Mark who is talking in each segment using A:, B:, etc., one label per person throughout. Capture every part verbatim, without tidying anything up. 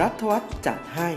A: รัฐวัฒน์จัดให้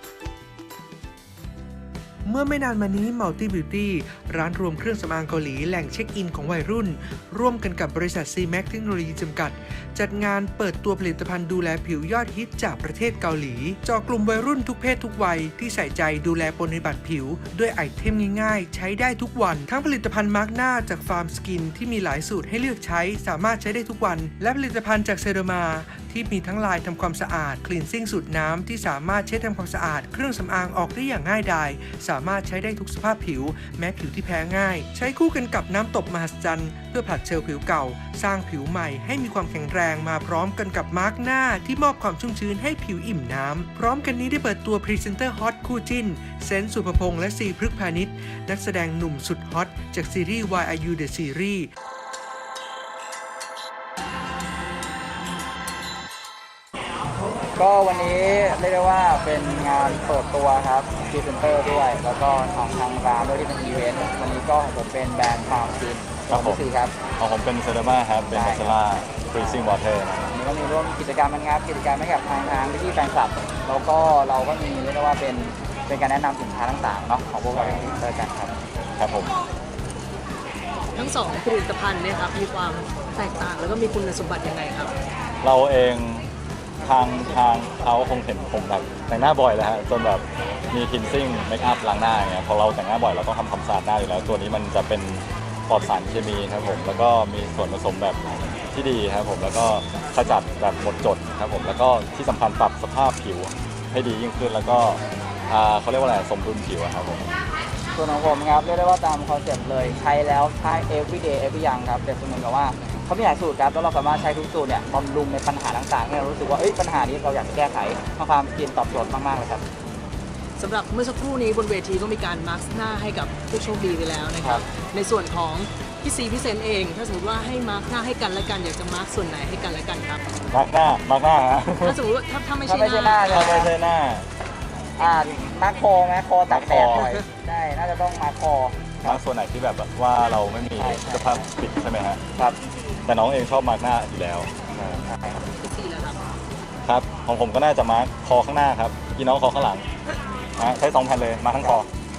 A: เมื่อไม่นานมานี้ Multi Beauty ร้านรวมเครื่องสำอางเกาหลีแหล่งเช็คอินของวัยรุ่นร่วมกันกับบริษัท ซี แม็ก เทคโนโลยีจำกัดจัดงานเปิดตัวผลิตภัณฑ์ดูแลผิวยอดฮิตจากประเทศเกาหลีเจาะกลุ่มวัยรุ่นทุกเพศทุกวัยที่ใส่ใจดูแลปฏิบัติผิวด้วยไอเทมง่ายๆใช้ได้ทุกวันทั้งผลิตภัณฑ์มาร์กหน้าจากฟาร์มสกินที่มีหลายสูตรให้เลือกใช้สามารถใช้ได้ทุกวันและผลิตภัณฑ์จากเซโรมาที่มีทั้งลายทำความสะอาดคลีนซิ่งสูตรน้ำที่สามารถเช็ดทำความสะอาดเครื่องสำอางออกได้อย่างง่ายดายสามารถใช้ได้ทุกสภาพผิวแม้ผิวที่แพ้ง่ายใช้คู่กันกับน้ำตบมหัศจรรย์เพื่อผลัดเซลล์ผิวเก่าสร้างผิวใหม่ให้มีความแข็งแรงมาพร้อมกันกับมาร์กหน้าที่มอบความชุ่มชื้นให้ผิวอิ่มน้ำพร้อมกันนี้ได้เปิดตัวพรีเซนเตอร์ฮอตคู่จิ้นเซนต์สุภพงษ์และซีพฤกษ์พาณิชย์นักแสดงหนุ่มสุดฮอตจากซีรีส์ Why Are You The Series
B: ก็วันนี้เรียกได้ว่าเป็นงานเปิดตัวครับพรีเซนเตอร์ด้วยแล้วก็ทางทางร้านด้วยที่เป็นอีเวนต์วันนี้ก็ของผมเป็นแบรนด์ฟาร์มซินครับผมครับ
C: ของผมเป็นเซรามาครับเป็นมาซาร่าฟรีซิ่งวอเตอร์
B: วันนี้ก็มีร่วมกิจกรรมงานกิจกรรมให้กับทางทางพี่แฟนคลับแล้วก็เราก็มีเรียกได้ว่าเป็นเป็นการแนะนำสินค้าต่างๆเนาะของพวกเราพรีเซนเตอร์กันครับ
C: ครับผม
D: ทั้งสองผลิตภัณฑ์เนี่ยครับมีความแตกต่างแล้วก็มีคุณสมบัติยังไงครับ
C: เราเองทางทางเขาคงเห็นผมแบบแต่งหน้าบ่อยแล้วฮะจนแบบมีคลีนซิ่งเมคอัพล้างหน้าอย่างเงี้ยพอเราแต่งหน้าบ่อยเราต้องทำความสะอาดหน้าอยู่แล้วตัวนี้มันจะเป็นปลอดสารเคมีครับผมแล้วก็มีส่วนผสมแบบที่ดีครับผมแล้วก็ขจัดแบบหมดจดครับผมแล้วก็ที่สำคัญปรับสภาพผิวให้ดียิ่งขึ้นแล้วก็เขาเรียกว่าอะไรสมดุลผิวครับผม
B: ส่วนของผมครับเรียกได้ว่าตามคอนเซ็ปต์เลยใช้แล้วใช้ everyday every อย่างครับแต่เหมือนกับว่าเขามีหลายสูตรครับแล้วเราสามารถใช้ทุกสูตรเนี่ยบำรุงในปัญหาต่างๆที่เรารู้สึกว่าเอ้ยปัญหานี้เราอยากจะแก้ไขความกินตอบโจทย์มากๆเลยครับ
D: สำหรับเมื่อสักครู่นี้บนเวทีก็มีการมาร์กหน้าให้กับผู้โชคดีไปแล้วนะครับในส่วนของพี่ซีพี่เซนเองถ้าสมมติว่าให้มาร์กหน้าให้กันและกันอยากจะมาร์กส่วนไหนให้กันและกันครับ
C: มาร์กหน้ามาร์กหน้าฮะ
D: ถ้าสมมติว่าถ้าถ้าไม่ใช่
B: หน้า
C: ถ้าไม่ใช่หน้า
B: อ่ามาร์กคอไหมคอตัดแดดหน่อยใช่น่าจะต้องมาร์กคอ
C: มาร์กส่วนไหนที่แบบว่าเราไม่มีสภาพปิดใช่ไหมฮะ
B: ครับ
C: แต่น้องเองชอบมาร์กหน้าอยู่แล้วครับของผมก็น่าจะมาร์กคอข้างหน้าครับพี่น้องคอข้างหลังใช้สองแผ่นเลยมาทั้งคอ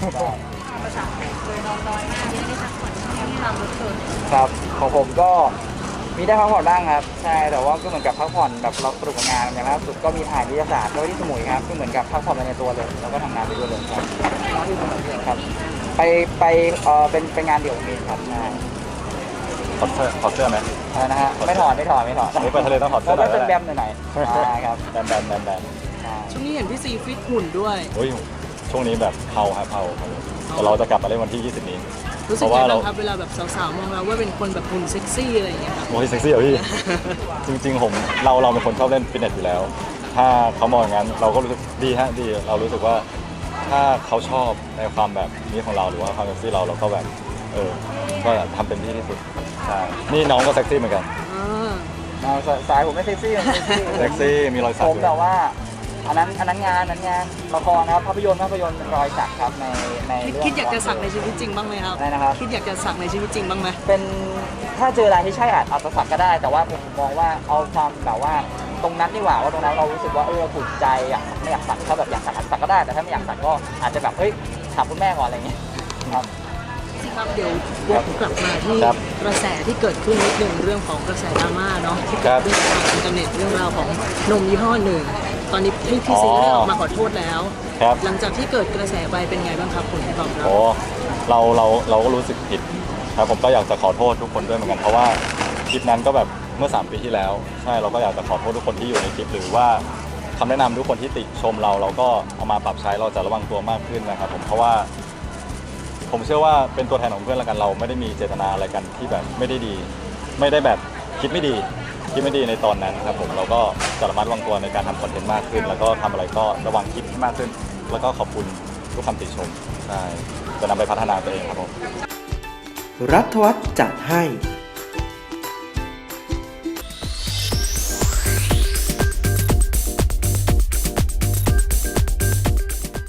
B: ครับของผมก็มีได้พักผ่อนบ้างครับใช่แต่ว่าก็เหมือนกับพักผ่อนแบบเราสนุกกับงานอย่างล่าสุดก็มีถ่ายวิทยาศาสตร์ด้วยที่สมุยครับก็เหมือนกับพักผ่อนไปในตัวเลยแล้วก็ทำงานไปด้วยเลยครับครับไปไปเออเป็นเป็นงานเดี่ยวมีครับใช่
C: ถอดเสื้อถอดเสื้อไหม
B: นะฮะไม่ถอดไม่ถอดไม่ถอด
C: ไปทะเลต้องถอดเสื้อ
B: แล้วเป็นแบมหน่อยๆครับ
C: แบมแบมแบมแบม
D: ช่วงนี้เห็นพี่ซีฟิตหุ่นด้วย
C: โอ้ยช่วงนี้แบบเผาครับเผาแต่เราจะกลับมาเล่นวันที่ยี่สิบนี้
D: รู้สึกยังไงบ้างครับเวลาแบบสาวๆมองเราว่าเป็นคนแบบหุ่นเซ็กซี่อะไรอย่างเงี้ยครับ
C: โอ้ยเซ็กซี่เหรอพี่จริงๆผมเราเราเป็นคนชอบเล่นฟิตเนสอยู่แล้วถ้าเขามองอย่างนั้นเราก็รู้สึกดีฮะดีเรารู้สึกว่าถ้าเขาชอบในความแบบนี้ของเราหรือว่าความเซ็กซี่เราเราก็แบบเออก็ทำเต็มที่ที่สุดใช่นี่น้องก็เซ็กซี่เหมือนกัน
B: สายผมไม่เซ็กซี่
C: เซ็กซี่มีรอยสัก
B: ผมแต่ว่าอันนั้นอันนั้นงานนั้นงานละครนะครับภาพยนตร์ภาพยนตร์รอยสักครับในในเรื่อง
D: คิดอยากจะสักในชีวิตจริงบ้างไหมครับ
B: ได้นะครับ
D: คิดอยากจะสักในชีวิตจริงบ้างไหม
B: เป็นถ้าเจออะไรที่ใช่อาจอาจจะสักก็ได้แต่ว่าผมมองว่าเอาความแบบว่าตรงนั้นดีกว่าว่าตรงนั้นเรารู้สึกว่าเออถูกใจอยากไม่อยากสักถ้าแบบอยากสักสักก็ได้แต่ถ้าไม่อยากสักก็อาจจะแบบเฮ้ยถามคุณแม่ก่อนอะไรอย่างเงี้ยครับ
D: ครับเดี๋ยววกกลับมาที่กระแสที่เกิดขึ้นนิดนึงเรื่องของกระแสดราม่าเนาะที่เกิดขึ้นทางอินเทอร์เน็ตเรื่องราวของนมยี่ห้อหนึ่งตอนนี้พี่พี่ซีได้ออกมาขอโทษแล้วหลังจากที่เกิดกระแสไปเป็นไงบ้างครับคุณตอบรับ
C: โอ้เราเราเราก็รู้สึกผิดครับผมก็อยากจะขอโทษทุกคนด้วยเหมือนกันเพราะว่าคลิปนั้นก็แบบเมื่อสามปีที่แล้วใช่เราก็อยากจะขอโทษทุกคนที่อยู่ในคลิปหรือว่าคำแนะนำทุกคนที่ติชมเราเราก็เอามาปรับใช้เราจะระวังตัวมากขึ้นนะครับผมเพราะว่าผมเชื่อว่าเป็นตัวแทนของเพื่อนละกันเราไม่ได้มีเจตนาอะไรกันที่แบบไม่ได้ดีไม่ได้แบบคิดไม่ดีคิดไม่ดีในตอนนั้นครับผมเราก็จะระมัดระวังตัวในการทำคอนเทนต์มากขึ้นแล้วก็ทำอะไรก็ระวังคิดมากขึ้นแล้วก็ขอบคุณทุกคำติชมใช่จะนำไปพัฒนาตัวเองครับผม
A: รัฐวัฒน์จัดให้